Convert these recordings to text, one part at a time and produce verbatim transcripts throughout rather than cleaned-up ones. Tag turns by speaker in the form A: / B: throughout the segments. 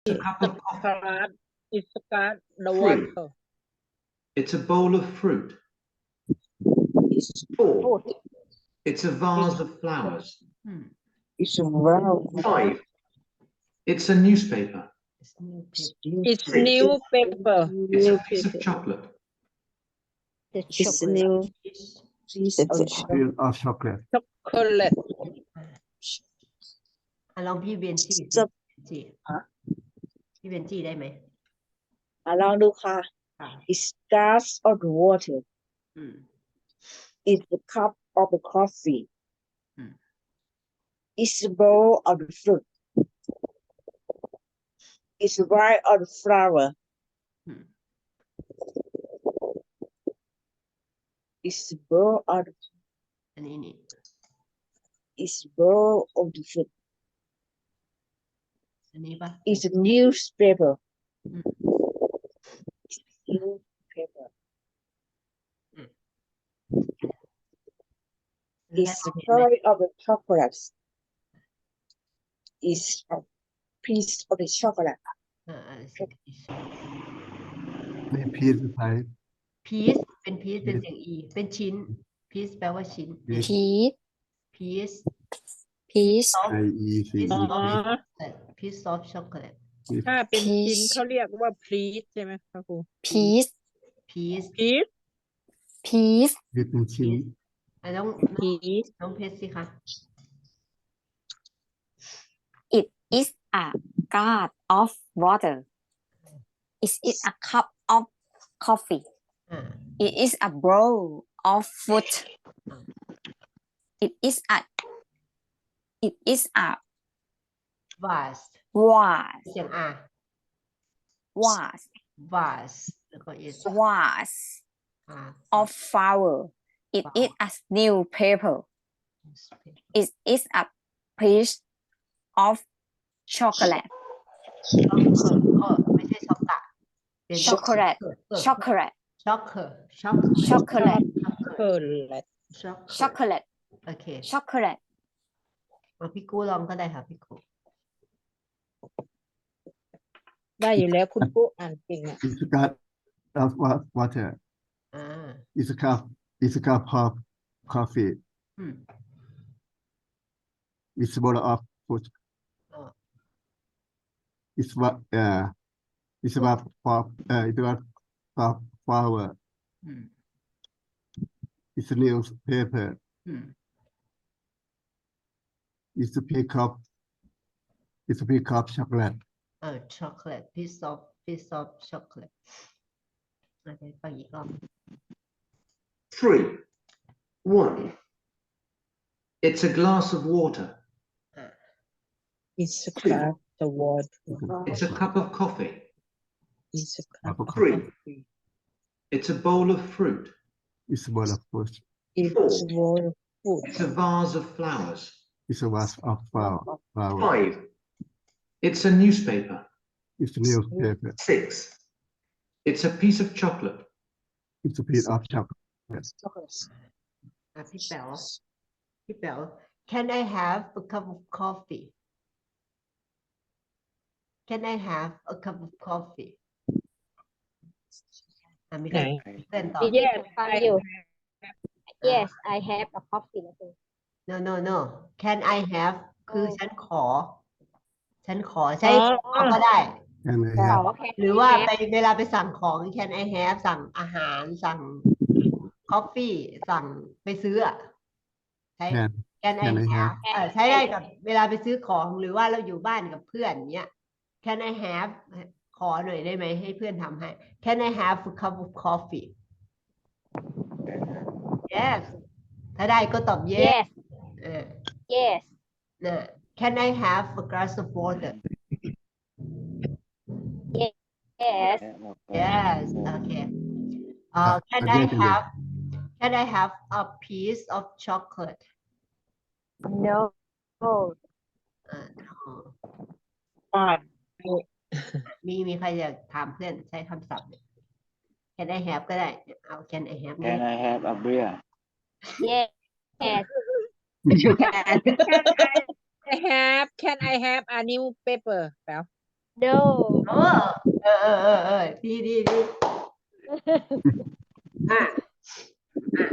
A: It's a cup of coffee.
B: Card. It's card. The
A: Fruit.
B: water.
A: It's a bowl of fruit.
C: It's
A: Four.
C: food.
A: It's a vase of flowers.
D: Hmm.
C: It's a round.
A: Five. It's a newspaper.
D: It's new
C: It's
D: paper.
B: It's
A: Six.
B: newspaper.
A: It's a piece of chocolate.
D: The
C: It's
D: chocolate
C: new.
D: is
C: Piece
E: It's
C: of
E: a
C: chocolate.
E: piece of chocolate.
B: Chocolate.
D: อ่ะลองพี่เบนจี้สิ
C: จะ
D: จี
C: ฮะ
D: พี่เบนจี้ได้ไหม
C: อ่ะลองดูค่ะ
D: ค่ะ
C: It's glass of water.
D: อืม
C: It's a cup of the coffee.
D: Hmm.
C: It's a bowl of the fruit. It's a vase of the flower.
D: Hmm.
C: It's a bowl of the,
D: อันนี้นี่
C: it's a bowl of the fruit.
D: อันนี้ปะ
C: It's a newspaper.
D: Hmm.
C: It's a newspaper.
D: Hmm.
C: It's the color of the chocolates. It's a piece of the chocolate.
D: อ่าอ่า
E: นี่พีซสุดท้าย
D: พีซเป็นพีซเป็นเสียงอีเป็นชิ้นพีซแปลว่าชิ้น
E: Piece.
F: Peach,
D: พีซ
F: peach,
D: ซอฟ
E: I E C
D: พีซ
E: E
D: ซอฟ
B: อ๋อ
D: พีซซอฟช็อกโกแลต
B: ถ้าเป็นชิ้น
F: Peach
B: เขาเรียกว่า please ใช่ไหมคะครู
F: peach,
D: พีซ
B: please
F: peach.
E: คือเป็นชิ้น
D: อ่ะน้อง
B: please
D: น้องเพชรสิคะ
F: It is a glass of water. It is a cup of coffee.
D: อ่า
F: It is a bowl of fruit. It is a it is a
D: วาส
F: vase
D: เสียงอา
F: vase
D: วาสแล้วก็ is
F: vase
D: อ่า
F: of flower. It is a newspaper. It is a piece of chocolate.
D: ก็ไม่ใช่ช็อกกะเป็น
F: Chocolate. Chocolate.
D: ช็อกเกอร์ช็อก
F: Chocolate.
B: เกินแหละ
D: ช็อก
F: Chocolate.
D: โอเค
F: Chocolate.
D: เอาพี่กู้ลองก็ได้ค่ะพี่กู้
B: ได้อยู่แล้วคุณปุ๊อ่านเก่งอ่ะ
E: It's a cup of wa- water.
D: อ่า
E: It's a cup. It's a cup of coffee.
D: อืม
E: It's a bowl of fruit.
D: อ๋อ
E: It's what uh it's about for uh it's about for flower.
D: อืม
E: It's a newspaper.
D: อืม
E: It's a piece of it's a piece of chocolate.
D: เออช็อกโกแลต piece of piece of chocolate อาจจะฟังอีกรอบ
A: Three. One. It's a glass of water.
B: It's a glass the water
A: It's a cup of coffee.
B: It's a cup of
A: Three.
B: coffee
A: It's a bowl of fruit.
E: It's a bowl of fruit.
B: It's a bowl of food
A: It's a vase of flowers.
E: It's a vase of flower. flower.
A: Five. It's a newspaper.
E: It's a newspaper.
A: Six. It's a piece of chocolate.
E: It's a piece of chocolate.
C: Chocolates.
D: อ่ะพี่แป๋วพี่แป๋ว Can I have a cup of coffee Can I have a cup of coffee อ่ะมีใคร
B: ไหน
D: เพื่อนตอบ
B: Yes
G: ฟัง
B: I
G: อยู่
B: have
G: Yes I have a coffee นะคุณ
D: no no no Can I have คือฉันขอ ฉันขอใช้
B: อ๋อ
D: ขอก็ได้
E: And I
G: ขอ
E: have
G: แค่
D: หรือว่าไปเวลาไปสั่งของ Can I have สั่งอาหารสั่ง coffee สั่งไปซื้ออะใช้
E: can
D: Can I
E: Can I
D: have
E: have
D: เออใช้ได้กับเวลาไปซื้อของหรือว่าเราอยู่บ้านกับเพื่อนเนี้ย Can I have ขอหน่อยได้ไหมให้เพื่อนทำให้ Can I have a cup of coffee Yes ถ้าได้ก็ตอบ yes
G: Yes
D: เออ
G: Yes
D: นะ Can I have a glass of water
G: Yes
D: Yes okay uh, Can I
E: again, again.
D: have Can I have a piece of chocolate
G: No
D: อ่า
B: Five
D: มีมีใครอยากถามเพื่อนใช้คำศัพท์เนี่ย Can I have ก็ได้เอา Can I have เนี่ย
H: Can I have a beer?
G: Yes
B: Can I have Can I have a newspaper แปล
G: no
D: เออเออเออเออเออดีดีดีอ่ะอ่ะ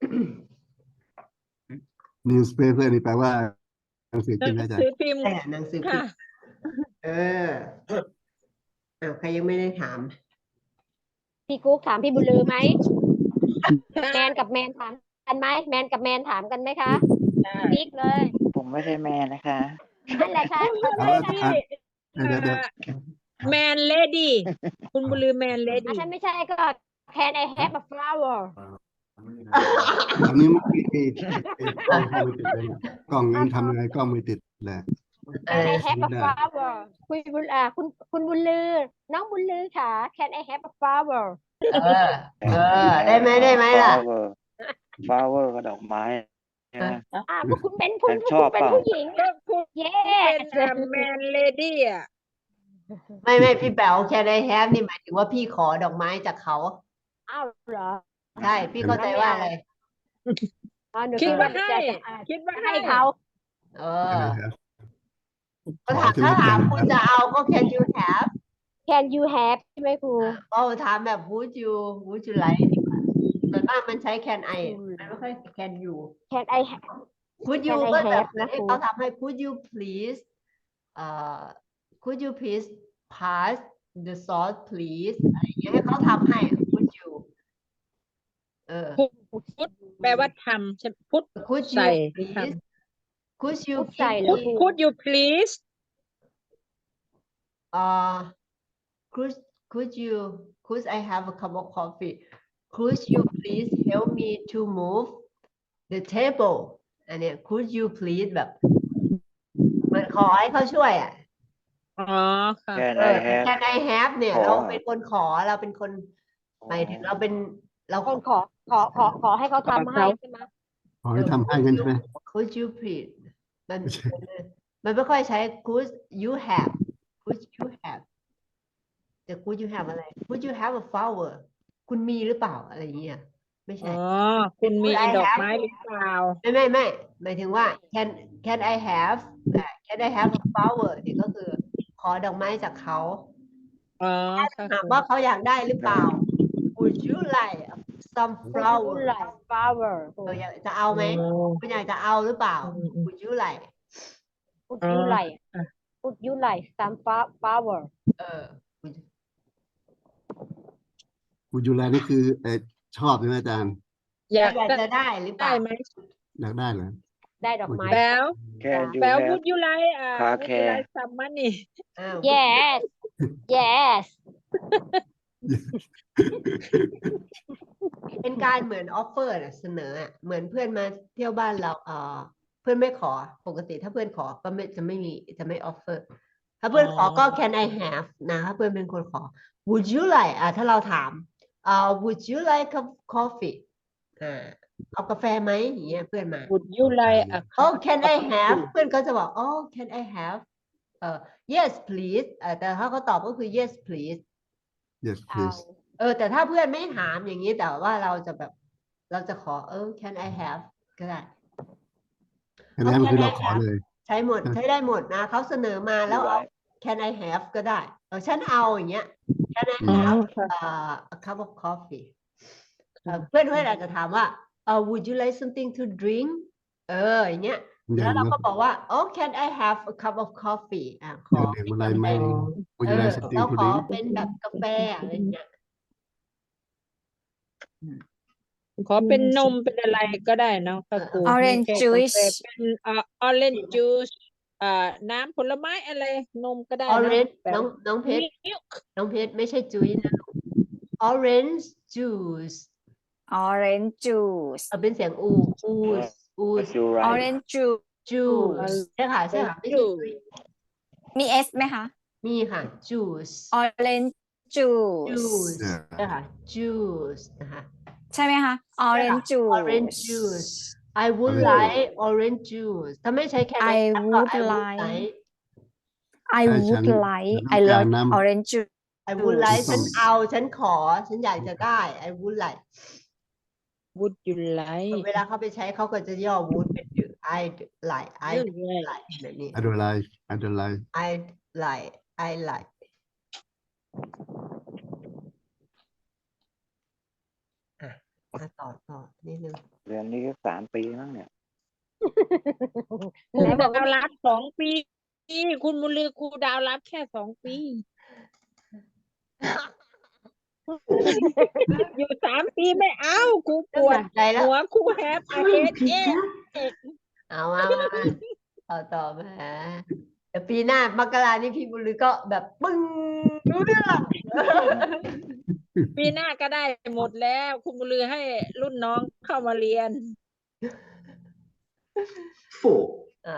E: newspaper นี่แปลว่าหนังสือ
B: หนั
E: พิม
B: ง
E: พ์นะอาจาร
B: สือ
E: ย์
B: พิมพ์
D: แต่หนังสือพิ
B: ค่ะ
D: มพ์เอออ้าวใครยังไม่ได้ถาม
G: พี่กุ๊กถามพี่บุญลือไหม แมนกับแมนถามกันไหมแมนกับแมนถามกันไหมคะบิ๊กเลย
C: ผมไม่ใช่แม่นะคะ
G: นั่นแหละค่ะเข้าใจ
E: เอา
G: ค่ะ
E: อ่ะเดี๋ยวเดี๋ยว
B: แมนเลดี้คุณบุญลือแมนเล
G: อ่ะ
B: ดี้
G: ถ้าไม่ใช่ก็ can I have a flower
E: อันนี้มันมีมีมีกล้องมือติดเลยกล้องยังทำยังไงกล้องมือติดแหละ
D: เอ
G: can
D: อ
G: I have a
E: ได้
G: flower คุณบุญอ่าคุณคุณบุญลือ น้องบุญลือค่ะ can I have a flower
D: เออ เออ ได้ไหมได้ไหมล่ะ
C: flower flower ก็ดอกไม้นะ
G: อ่าพวกคุณเป็นผู้
C: ฉัน
G: พวก
C: ชอ
G: คุ
C: บ
G: ณเป็น
C: เปล่า
G: ผู้หญิง
B: ก็คุณ
G: yes
B: เป็นแมนเลดี้อ่ะ
D: ไม่ไม่พี่แป๋วแค่ได้แฮปนี่หมายถึงว่าพี่ขอดอกไม้จากเขา
G: อ้าวเหรอ
D: ใช่ พี่เข้าใจว่าอะไร
G: อ๋อหนู
B: คิดว่า
G: จะ
B: ให้
G: จะอ่า
B: คิดว่า
G: ให้
B: ให้
G: เขา
D: เอ
E: ใช่
D: อ
E: ไหมครับ
D: ก็ถามถ้าถามคุณจะเอาก็ can you have
G: can you have ใช่ไหมครู
D: ก็ถามแบบ would you would you like ดีกว่าส่วนมากมันใช้ can I มันไม่ค่อย can you
G: can I have
D: could you
G: Can I
D: ก็แบบ
G: have นะ
D: ให้
G: ครู
D: เขาทำให้ could you please เอ่อ could you please pass the sauce please อะไรอย่างเงี้ยให้เขาทำให้ could you เออ
B: พุทแปลว่าทำใช่พุท
D: could
B: ใส่
D: you
B: ท
D: please could you
G: พูดใส่
D: please
G: แล้ว
B: ำ
G: ครู
B: could you please
D: uh could could you could I have a cup of coffee could you please help me to move the table อันเนี้ย could you please แบบเหมือนขอให้เขาช่วยอ่ะ
B: อ๋อค่ะ
C: Can
D: เอ
C: I
D: อ
C: have
D: can I have เนี่ย
C: ขอ
D: เราเป็นคนขอเราเป็นคนหมายถึงเราเป็นเรา
G: คนขอขอขอขอให้เขาทำให้ใช่ไหม
E: ขอให้ทำให้กันใช่ไหม
D: could you please มัน
E: ไม่ใช่
D: มันไม่ค่อยใช้ could you have could you have แต่ could you have อะไร could you have a flower คุณมีหรือเปล่าอะไรอย่างเงี้ยไม่
B: อ๋
D: ใช่
B: อ คุณมี
D: Could I
B: ดอก
D: have
B: ไม้หรือเปล่า
D: ไม่ไม่ไม่หมายถึงว่า can can I have อ่า can I have a flower เนี่ยก็คือขอดอกไม้จากเขา
B: อ๋อค่ะ
D: ถามว่าเขาอยากได้หรือเปล่า Would you like some
G: Would you
D: flower
G: like flower
D: เอออยากจะเอาไหม
B: โอ้
D: คุณอยากจะเอาหรือเปล่า
B: อืมอืม
D: Would you like
G: Would
B: อ๋อ
G: you like
B: อ่ะ
G: Would you like some fla- flower
D: เออ Would you-
E: กูยูแลนี่คือเออชอบใช่ไหมอาจารย์
B: อยาก
D: อยาก
B: ได้
D: จะได้หรือเป
B: ได้
D: ล่า
B: ไหม
E: อยากได้เหรอ
G: ได้ดอกไม้
B: แปลว
C: Can you
B: แปลว
C: have
B: would you like อ่า
C: car
B: would you
C: care
B: like some money
D: อ้าว
G: yes yes
D: เป็นการเหมือนออฟเฟอร์น่ะเสนออ่ะเหมือนเพื่อนมาเที่ยวบ้านเราเออเพื่อนไม่ขอปกติถ้าเพื่อนขอก็ไม่จะไม่มีจะไม่ออฟเฟอร์ถ้าเพื่อนขอก็ can I have นะถ้าเพื่อนเป็นคนขอ would you like อ่ะถ้าเราถามเอ่อ would you like a coffee อ่าเอากาแฟไหมอย่างเงี้ยเพื่อนมา
B: would you like a
D: oh can I have เพื่อนก็จะบอก oh can I have เอ่อ yes please เอ่อแต่ถ้าเขาตอบก็คือ yes please
E: yes
G: เอา
E: please
D: เออแต่ถ้าเพื่อนไม่ถามอย่างนี้แต่ว่าเราจะแบบเราจะขอเออ can I have ก็ได้
E: อันนั้นคือเราขอเลย
D: ใช้หมดใช้ได้หมดนะเขาเสนอมาแล้วเอา
C: Right.
D: can I have ก็ได้เออฉันเอาอย่างเงี้ย can I
B: อ๋อ
D: have
B: ค่ะ
D: เอ่อ a cup of coffee เอ่อเพื่อนเพื่อนอาจจะถามว่าเอ่อ would you like something to drink เอออย่างเงี้ย
E: อย่า
D: แล้ว
E: ง
D: เรา
E: นั้น
D: ก็บอกว่า oh can I have a cup of coffee อ่ะข
E: อ
D: อย่าง
E: ดื่มอะไรไหม
B: อ๋อ
E: กู
D: เอ
E: ยู
D: อ
E: ไลสติง
D: เรา
E: ทู
D: ขอ
E: ดิ้ง
D: เป็นแบบกาแฟอะไรอย่างเงี้ย
B: ขอเป็นนมเป็นอะไรก็ได้เนาะค่ะครู
F: Orange
B: ไม่ใช่
F: juice
B: กาแฟเป็นเอ่อ orange juice อ่าน้ำผลไม้อะไรนมก็ได้เนาะ
D: orange
B: แบบ
D: น้องน้องเพชร
B: milk
D: น้องเพชรไม่ใช่จุ้ยนะลูก orange juice
F: orange juice
D: เอาเป็นเสียงอู ooze
C: Would
D: ooze
C: you like
F: orange juice
D: juice ใช่ค่ะใช่ค่ะไม่ใช่จุ้ย
F: มี s ไหมคะ
D: มีค่ะ juice
F: orange juice
D: juice
E: เนี่ย
D: ใช่ค่ะ juice นะคะ
F: ใช่ไหมคะ orange juice
D: orange juice I would
E: Orange
D: like orange juice ถ้าไม่ใช้แค่
F: I would
D: I would
F: like
D: like
F: I
E: ใช่ฉั
F: would
E: น
F: like
E: ฉั
F: I
E: นต้องการ
F: love
E: น้ำ
F: orange juice
D: I would like
E: ถูกต้อง
D: ฉันเอาฉันขอฉันอยากจะได้ I would like
B: would you like
D: เวลาเขาไปใช้เขาก็จะย่อ would เป็น do I like I
B: you like
D: like แบบนี้
E: I don't like I don't like
D: I like I like อ่ะต่อต่อนิดนึง
C: เรียนนี้ก็สามปีมั้งเนี่ย
B: ครู
G: ไหนบอก
B: ดา
G: ว่าว
B: รับสองปี คุณบุญลือครูดาวรับแค่สองปี อยู่สามปีไม่เอาครูปวด
D: ใจแล้ว
B: หัวครูแฮปอาเฮดเอ๊ะ
D: เอามามามาต่อต่อมาเดี๋ยวปีหน้ามกรานี่พี่บุญลือก็แบบปึ้งรู้เรื่อง
B: ปีหน้าก็ได้หมดแล้ว คุณบุญลือให้รุ่นน้องเข้ามาเรียน
A: Four.
D: อ่ะ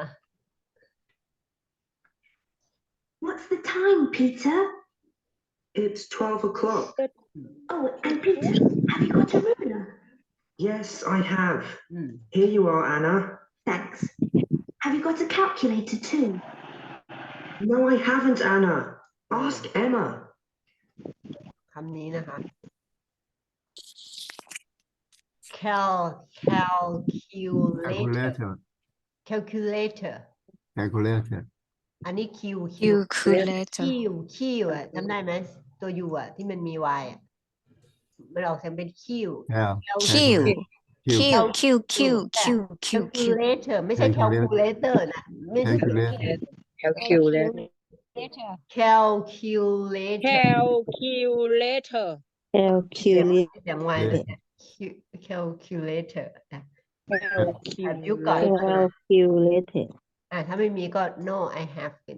H: What's the time, Peter?
A: It's twelve o'clock.
H: Oh, and Peter, have you got a ruler?
A: Yes, I have.
D: อืม
A: Here you are, Anna.
H: Thanks. Have you got a calculator too?
A: No, I haven't, Anna. Ask Emma.
D: คำนี้นะคะ cal calculator
E: calculator
D: calculator
E: calculator
D: อันนี้ q q
F: calculator
D: q q อ่ะจำได้ไหมตัว u อ่ะที่มันมี y อ่ะมันออกเสียงเป็น q
E: yeah
F: Q
E: Q
F: Q Q Q Q Q Q
D: calculator ไม่ใช่ calculator นะไม่ใช่
E: calculator
C: calculator
D: calculator
B: calculator
D: เสียงเสียง y เลยเนี่ย Q- calculator นะแบบยุคก่อน
G: calculator
D: อ่ะถ้าไม่มีก็ no I have เป็น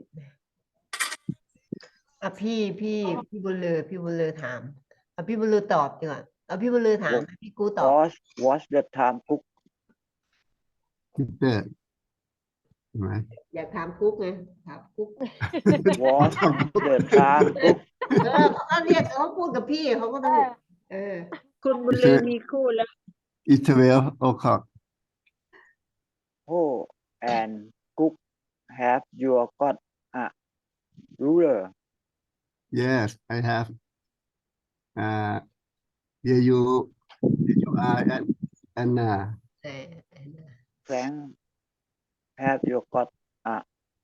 D: อ่ะพี่พี่พี่บุญลือพี่บุญลือถามอ่ะพี่บุญลือตอบดีกว่าเอาพี่บุญลือถามพี่กูตอบ
C: watch watch the time cook
E: Peter ใช่ไหม
D: อยากถามกุ๊กไงถามกุ๊ก
C: watch the time cook
D: เออเขาก็เรียกเขาพูดกับพี่เขาก็ต้องเออ
B: คุณบุญลือมีคู่แล้ว
E: it's twelve o'clock
C: who and cook have you got a ruler
E: yes I have uh here you here you are and Anna
D: เออ
C: Frank have you got a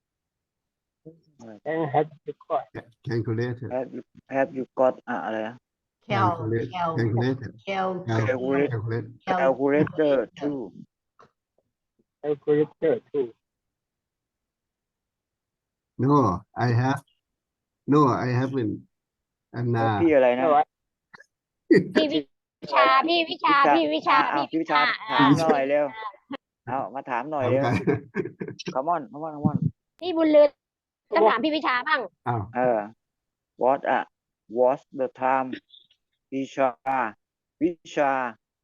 E: calculator
C: have you have you got a อะไรนะ
D: cal
E: calculator
D: cal
E: cal
C: Calculator
E: calculator
C: calculator too
I: calculator too.
E: no I have no I haven't Anna
C: พี่อะไรนะ
G: พี่วิชาพี่วิชาพี่วิชา
C: อ่ะ
G: พี่
C: พี่
G: วิ
C: วิชา
G: ชา
C: ถามหน่อยเร็วเอามาถามหน่อยเร็ว come on come on come on
G: พี่บุญลือต้องถามพี่วิชาบ้าง
E: อ้าว
C: เออ what อ่ะ what's the time วิชาวิชา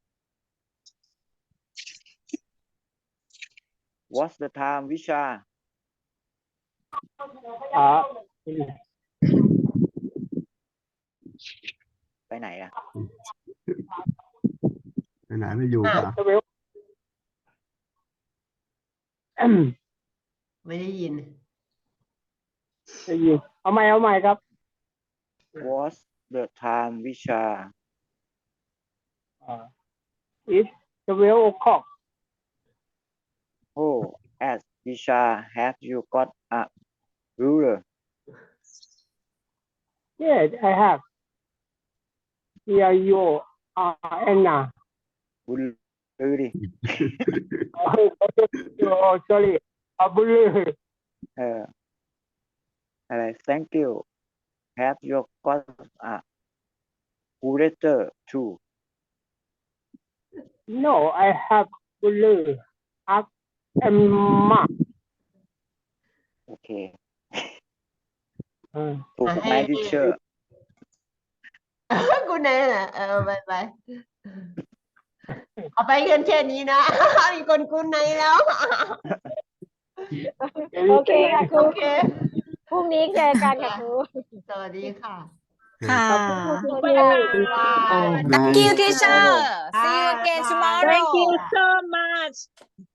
C: what's the time วิชา
I: Uh,
C: ไปไหนอ่ะ
E: ไปไหนไม่อยู่ป่ะ
I: well,
D: ไม่ได้ยิน
I: ได้ยินเอาใหม่เอาใหม่ครับ
C: what's the time วิชา
I: Uh, it's twelve o'clock.
C: oh as วิชา have you got a ruler
I: Yes, I have. Here you are, Anna.
C: บุญลือดิ
I: Oh, sorry. อาบุลือ
C: เอออะไร thank you have you got a calculator too
I: No, I have บุลือ Ask Emma.
C: โอเค
I: เออ
C: ถูก
D: อ่ะ
C: ไหม
D: ให้
C: ดิเชอร์
D: กูไหนน่ะเออไปไปเอาไปกันแค่นี้นะ มีคนกูไหนแล้ว
G: โอเคค่ะครู
D: โอเค
G: พรุ่งนี้เจอกันค่ะครู
D: สวัสดีค่ะ
F: ค่ะ
G: สวัสดีค่ะ
F: Thank you teacher see you again tomorrow
B: thank you so much